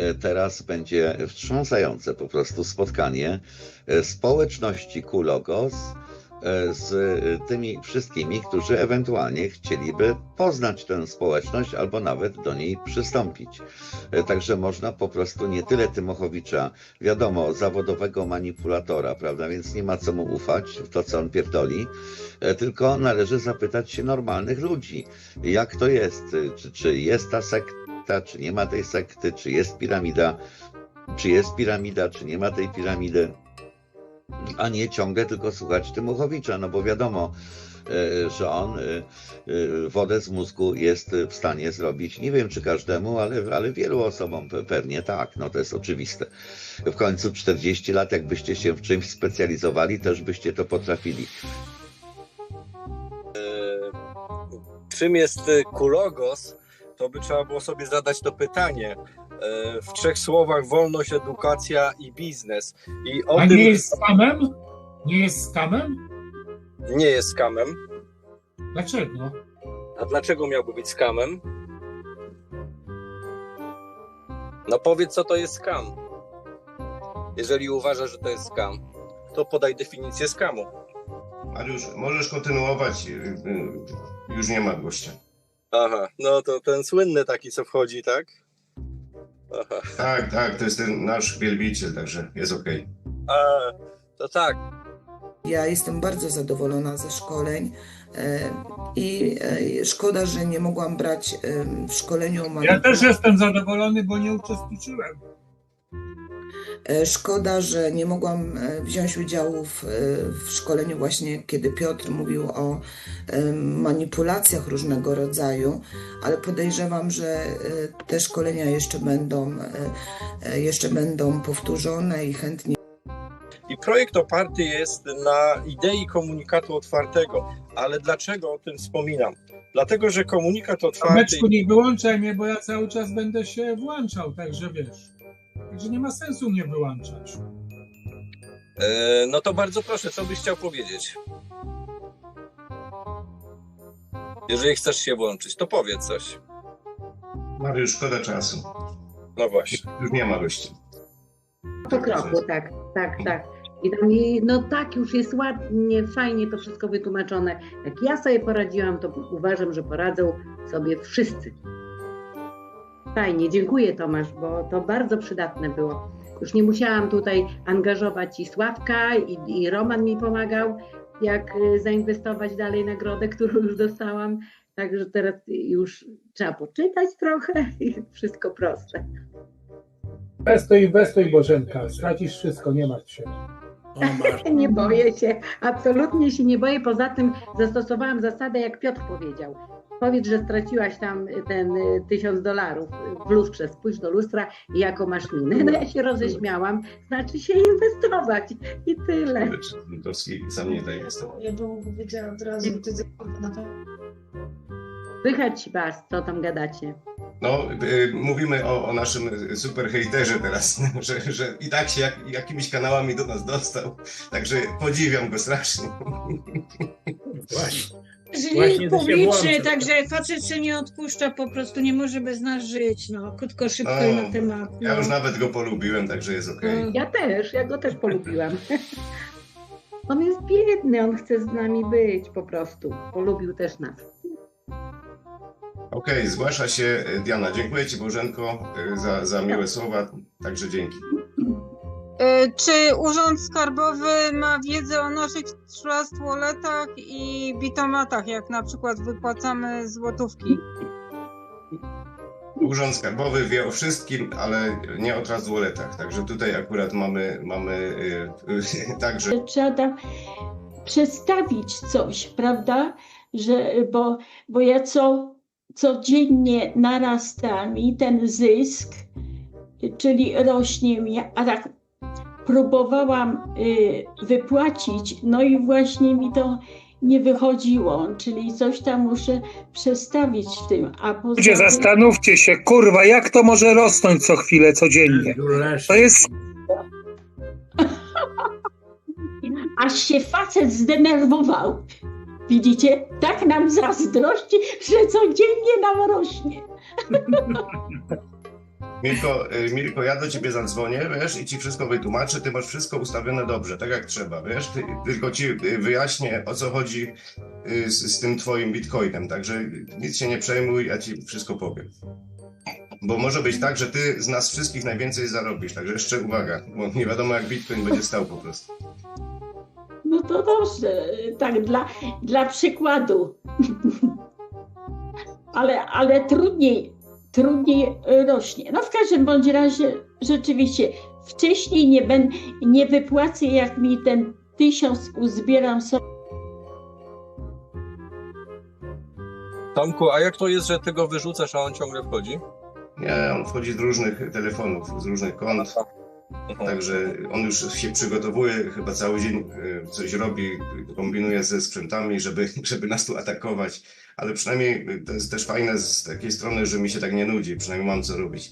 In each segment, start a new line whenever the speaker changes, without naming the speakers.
teraz będzie wstrząsające po prostu spotkanie społeczności Kulogos z tymi wszystkimi, którzy ewentualnie chcieliby poznać tę społeczność albo nawet do niej przystąpić. Także można po prostu nie tyle Tymochowicza, wiadomo, zawodowego manipulatora, prawda, więc nie ma co mu ufać w to, co on pierdoli, tylko należy zapytać się normalnych ludzi, jak to jest, czy jest ta sekta, czy nie ma tej sekty, czy jest piramida, czy nie ma tej piramidy, a nie ciągle tylko słuchać Tymochowicza, no bo wiadomo, że on wodę z mózgu jest w stanie zrobić, nie wiem czy każdemu, ale wielu osobom pewnie tak, no to jest oczywiste. W końcu 40 lat, jakbyście się w czymś specjalizowali, też byście to potrafili.
Czym jest Kulogos? To by trzeba było sobie zadać to pytanie. W 3 słowach: wolność, edukacja i biznes.
A nie jest skamem? Nie jest skamem?
Nie jest skamem.
Dlaczego?
A dlaczego miałby być skamem? No powiedz, co to jest skam. Jeżeli uważasz, że to jest skam, to podaj definicję skamu.
Mariusz, możesz kontynuować. Już nie ma gościa.
Aha, no to ten słynny taki, co wchodzi, tak? Aha.
Tak, to jest ten nasz wielbiciel, także jest okej.
To tak.
Ja jestem bardzo zadowolona ze szkoleń i szkoda, że nie mogłam brać w szkoleniu o
Ja też jestem zadowolony, bo nie uczestniczyłem.
Szkoda, że nie mogłam wziąć udziału w szkoleniu właśnie, kiedy Piotr mówił o manipulacjach różnego rodzaju, ale podejrzewam, że te szkolenia jeszcze będą powtórzone i chętnie.
I projekt oparty jest na idei komunikatu otwartego. Ale dlaczego o tym wspominam? Dlatego, że komunikat otwarty...
Meczku, nie wyłączaj mnie, bo ja cały czas będę się włączał, także wiesz. Także nie ma sensu mnie wyłączać.
No to bardzo proszę, co byś chciał powiedzieć? Jeżeli chcesz się włączyć, to powiedz coś.
Mariusz, szkoda czasu.
No właśnie.
Już nie ma gościa.
Po kroku, tak. I tam no tak, już jest ładnie, fajnie to wszystko wytłumaczone. Jak ja sobie poradziłam, to uważam, że poradzą sobie wszyscy. Fajnie, dziękuję Tomasz, bo to bardzo przydatne było. Już nie musiałam tutaj angażować i Sławka, i Roman mi pomagał, jak zainwestować dalej nagrodę, którą już dostałam. Także teraz już trzeba poczytać trochę i wszystko proste.
Inwestuj Bożenka, stracisz wszystko, nie martw się.
Nie boję się, absolutnie się nie boję. Poza tym zastosowałam zasadę, jak Piotr powiedział. Powiedz, że straciłaś tam ten $1000 w lustrze, spójrz do lustra i jaką masz minę. No ja się roześmiałam, znaczy się inwestować i tyle.
Sam nie daje inwestować.
Ja bym powiedziała od razu,
Słychać was, co tam gadacie.
No, mówimy o naszym super hejterze teraz, że i tak się jakimiś kanałami do nas dostał, także podziwiam go strasznie.
Żyje publicznie, także facet się nie odpuszcza, po prostu nie może bez nas żyć, no, krótko, szybko i na temat. No.
Ja już nawet go polubiłem, także jest okej.
Ja go też polubiłam. On jest biedny, on chce z nami być po prostu, polubił też nas.
Okej, zgłasza się Diana. Dziękuję Ci, Bożenko, za miłe słowa, także dzięki.
Czy Urząd Skarbowy ma wiedzę o naszych trust walletach i bitomatach, jak na przykład wypłacamy złotówki?
Urząd Skarbowy wie o wszystkim, ale nie o trust walletach, także tutaj akurat mamy także...
Trzeba tam przedstawić coś, prawda? Bo ja codziennie narasta mi ten zysk, czyli rośnie mi, a tak próbowałam wypłacić, no i właśnie mi to nie wychodziło, czyli coś tam muszę przestawić w tym.
Ludzie, zastanówcie się, kurwa, jak to może rosnąć co chwilę, codziennie? To jest...
Aż się facet zdenerwował. Widzicie? Tak nam zazdrości, że codziennie nam rośnie.
Mirko, ja do ciebie zadzwonię, wiesz, i ci wszystko wytłumaczę, ty masz wszystko ustawione dobrze, tak jak trzeba, wiesz, tylko ci wyjaśnię, o co chodzi z tym twoim bitcoinem, także nic się nie przejmuj, ja ci wszystko powiem. Bo może być tak, że ty z nas wszystkich najwięcej zarobisz, także jeszcze uwaga, bo nie wiadomo jak bitcoin będzie stał po prostu.
No to dobrze, tak dla przykładu. Ale trudniej rośnie. No w każdym bądź razie rzeczywiście wcześniej nie wypłacę, jak mi ten 1000 uzbieram sobie.
Tomku, a jak to jest, że ty go wyrzucasz, a on ciągle wchodzi?
Nie, on wchodzi z różnych telefonów, z różnych kont. Także on już się przygotowuje, chyba cały dzień coś robi, kombinuje ze sprzętami, żeby nas tu atakować. Ale przynajmniej to jest też fajne z takiej strony, że mi się tak nie nudzi, przynajmniej mam co robić.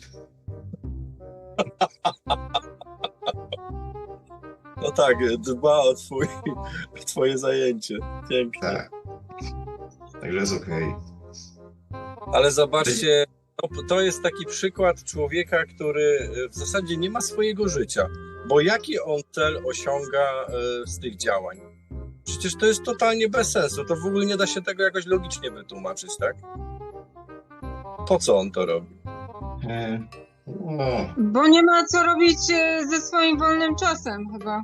No tak, dba o twoje zajęcie. Pięknie.
Tak. Także jest okej.
Ale zobaczcie, to jest taki przykład człowieka, który w zasadzie nie ma swojego życia. Bo jaki on cel osiąga z tych działań? Przecież to jest totalnie bez sensu. To w ogóle nie da się tego jakoś logicznie wytłumaczyć, tak? Po co on to robi?
No.
Bo nie ma co robić ze swoim wolnym czasem chyba.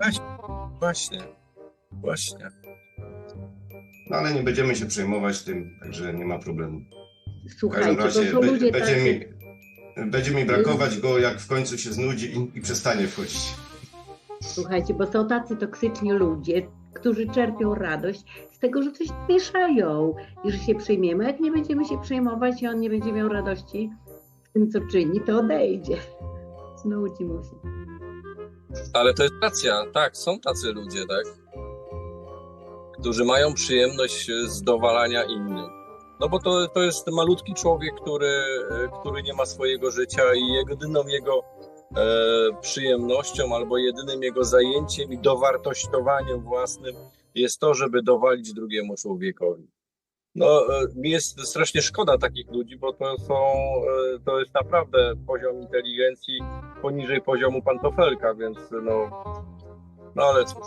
Właśnie.
No ale nie będziemy się przejmować tym, także nie ma problemu.
Słuchajcie,
W każdym razie
to są ludzie
będzie mi brakować go, jak w końcu się znudzi i przestanie wchodzić.
Słuchajcie, bo są tacy toksyczni ludzie, którzy czerpią radość z tego, że coś mieszają i że się przejmiemy. Jak nie będziemy się przejmować i on nie będzie miał radości w tym, co czyni, to odejdzie. Znudzi mu się.
Ale to jest racja, tak, są tacy ludzie, tak? Którzy mają przyjemność z dowalania innym. No bo to jest malutki człowiek, który nie ma swojego życia i jedyną jego przyjemnością albo jedynym jego zajęciem i dowartościowaniem własnym jest to, żeby dowalić drugiemu człowiekowi. No, mi jest strasznie szkoda takich ludzi, bo to jest naprawdę poziom inteligencji poniżej poziomu pantofelka, więc no ale cóż.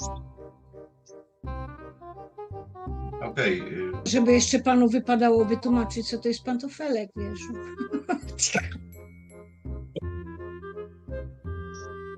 Okej.
Żeby jeszcze panu wypadało wytłumaczyć, co to jest pantofelek, wiesz.